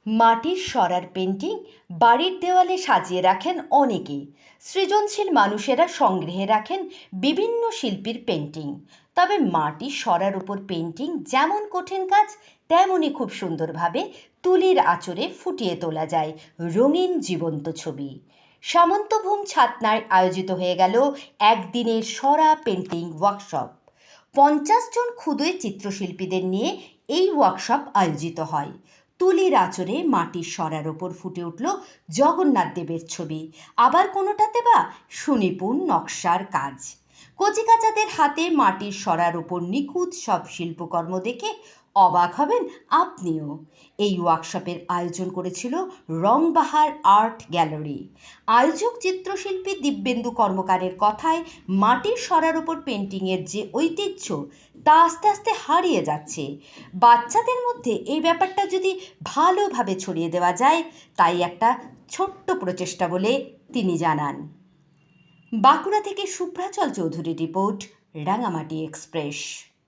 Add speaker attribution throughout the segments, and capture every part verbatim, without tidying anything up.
Speaker 1: মাটির সরার পেন্টিং বাড়ির দেওয়ালে সাজিয়ে রাখেন অনেকেই। সৃজনশীল মানুষেরা সংগ্রহে রাখেন বিভিন্ন শিল্পীর পেন্টিং। তবে মাটির সরার উপর পেন্টিং যেমন কঠিন কাজ, তেমনই খুব সুন্দরভাবে তুলির আঁচড়ে ফুটিয়ে তোলা যায় রঙিন জীবন্ত ছবি। সামন্তভূম ছাতনায় আয়োজিত হয়ে গেল একদিনের সরা পেন্টিং ওয়ার্কশপ। পঞ্চাশ জন ক্ষুদে চিত্রশিল্পীদের নিয়ে এই ওয়ার্কশপ আয়োজিত হয়। তুলির আঁচড়ে মাটির সরার ওপর ফুটে উঠল জগন্নাথ দেবের ছবি, আবার কোনোটাতে বা সুনিপুণ নকশার কাজ। কচিকাঁচাদের হাতে মাটির সরার ওপর নিখুঁত সব শিল্পকর্ম দেখে অবাক হবেন আপনিও। এই ওয়ার্কশপের আয়োজন করেছিল রংবাহার আর্ট গ্যালারি। আয়োজক চিত্রশিল্পী দিব্যেন্দু কর্মকারের কথায়, মাটির সরার ওপর পেন্টিংয়ের যে ঐতিহ্য তা আস্তে আস্তে হারিয়ে যাচ্ছে। বাচ্চাদের মধ্যে এই ব্যাপারটা যদি ভালোভাবে ছড়িয়ে দেওয়া যায়, তাই একটা ছোট্ট প্রচেষ্টা বলে তিনি জানান। বাঁকুড়া থেকে শুভ্রাচল চৌধুরীর রিপোর্ট, রাঙামাটি এক্সপ্রেস।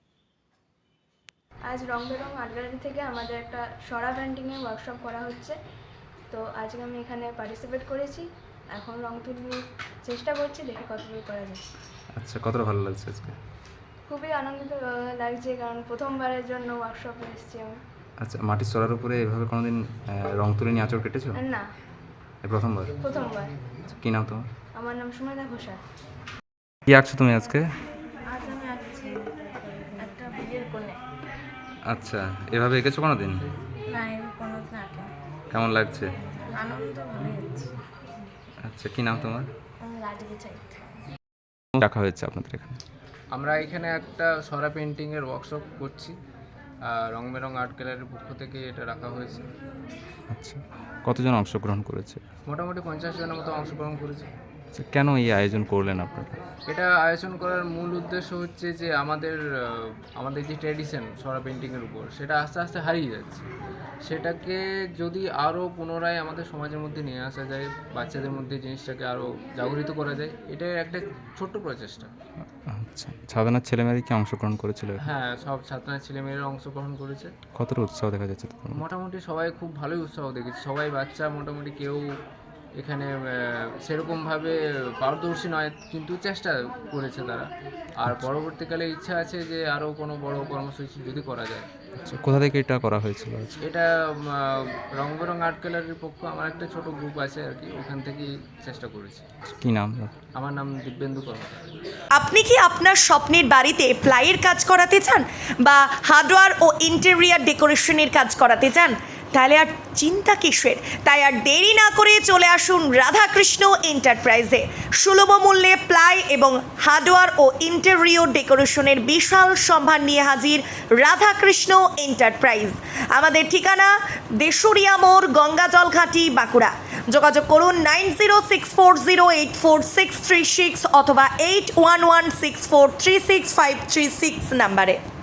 Speaker 2: আজ রং বেরং আর্ট গ্যালারি থেকে আমাদের একটা সরা পেন্টিংয়ের ওয়ার্কশপ করা হচ্ছে। তো আজকে আমি এখানে পার্টিসিপেট করেছি। এখন রং তুলি চেষ্টা করছি, দেখি কতদূর করা যায়।
Speaker 3: আচ্ছা, কতটা ভালো লাগছে আজকে?
Speaker 2: খুবই আনন্দিত লাগছে, কারণ প্রথমবারের জন্য ওয়ার্কশপে এসেছি আমি।
Speaker 3: আচ্ছা, মাটির সরার উপরে এভাবে কোনোদিন রং তুলে নিয়ে আঁচড় কেটেছো?
Speaker 2: না,
Speaker 3: এই প্রথমবার?
Speaker 2: প্রথমবার।
Speaker 3: কী নাম তোমার?
Speaker 2: আমার নাম সুমেধা ঘোষাল।
Speaker 3: কী আঁকছো তুমি আজকে?
Speaker 2: আজ আমি আঁকছি একটা বিয়ের কোণে।
Speaker 3: আচ্ছা, এভাবে এঁকেছো কোনোদিন?
Speaker 2: না, কোনোদিন আঁকিনি।
Speaker 3: কেমন লাগছে?
Speaker 2: আনন্দ মনে হচ্ছে।
Speaker 3: আচ্ছা, কী নাম তোমার?
Speaker 2: রাজবি চাই।
Speaker 3: রাখা হয়েছে আপনাদের এখানে?
Speaker 4: আমরা এখানে একটা সরা পেন্টিংয়ের ওয়ার্কশপ করছি। রং বেরং আর্ট গ্যালারির পক্ষ থেকে এটা রাখা হয়েছে।
Speaker 3: আচ্ছা, কতজন অংশগ্রহণ করেছে?
Speaker 4: মোটামুটি পঞ্চাশ জনের মতো অংশগ্রহণ করেছে।
Speaker 3: আচ্ছা, কেন এই আয়োজন করলেন আপনারা?
Speaker 4: এটা আয়োজন করার মূল উদ্দেশ্য হচ্ছে যে আমাদের আমাদের যে ট্র্যাডিশন সরা পেন্টিংয়ের উপর, সেটা আস্তে আস্তে হারিয়ে যাচ্ছে। সেটাকে যদি আরও পুনরায় আমাদের সমাজের মধ্যে নিয়ে আসা যায়, বাচ্চাদের মধ্যে জিনিসটাকে আরও জাগরিত করা যায়, এটাই একটা ছোট্ট প্রচেষ্টা।
Speaker 3: আচ্ছা, সাধারণ ছেলেমেয়েরা কি অংশগ্রহণ করেছিল?
Speaker 4: হ্যাঁ, সব ছাত্র ছেলেমেয়েরা অংশগ্রহণ করেছে।
Speaker 3: কতটা উৎসাহ দেখা যাচ্ছে?
Speaker 4: মোটামুটি সবাই খুব ভালোই উৎসাহ দেখেছে। সবাই বাচ্চা, মোটামুটি কেউ এখানে সেরকমভাবে পারদর্শী নয়, কিন্তু চেষ্টা করেছে তারা। আর পরবর্তীকালে ইচ্ছা আছে যে আরও কোনো বড় কর্মসূচি যদি করা যায়।
Speaker 3: আচ্ছা, কোথা থেকে এটা করা হয়েছিল?
Speaker 4: এটা রং বেরং আর্ট গ্যালারির পক্ষ, আমার একটা ছোট গ্রুপ আছে আর কি, ওখান থেকেই চেষ্টা করেছি।
Speaker 3: কী নাম?
Speaker 4: আমার নাম দিব্যেন্দু কর্মকার।
Speaker 1: আপনি কি আপনার স্বপ্নের বাড়িতে প্লাইয়ের কাজ করাতে চান বা হার্ডওয়্যার ও ইন্টেরিয়ার ডেকোরেশনের কাজ করাতে চান? তাহলে আর চিন্তা কিসের? তাই আর দেরি না করে চলে আসুন রাধাকৃষ্ণ এন্টারপ্রাইজে। সুলভ মূল্যে প্লাই এবং হার্ডওয়্যার ও ইন্টেরিয়র ডেকোরেশনের বিশাল সম্ভার নিয়ে হাজির রাধাকৃষ্ণ এন্টারপ্রাইজ। আমাদের ঠিকানা দেশুরিয়া মোড়, গঙ্গাজল ঘাটি, বাঁকুড়া। যোগাযোগ করুন nine zero six four zero eight four six three six অথবা eight one one six four three six five three six নাম্বারে।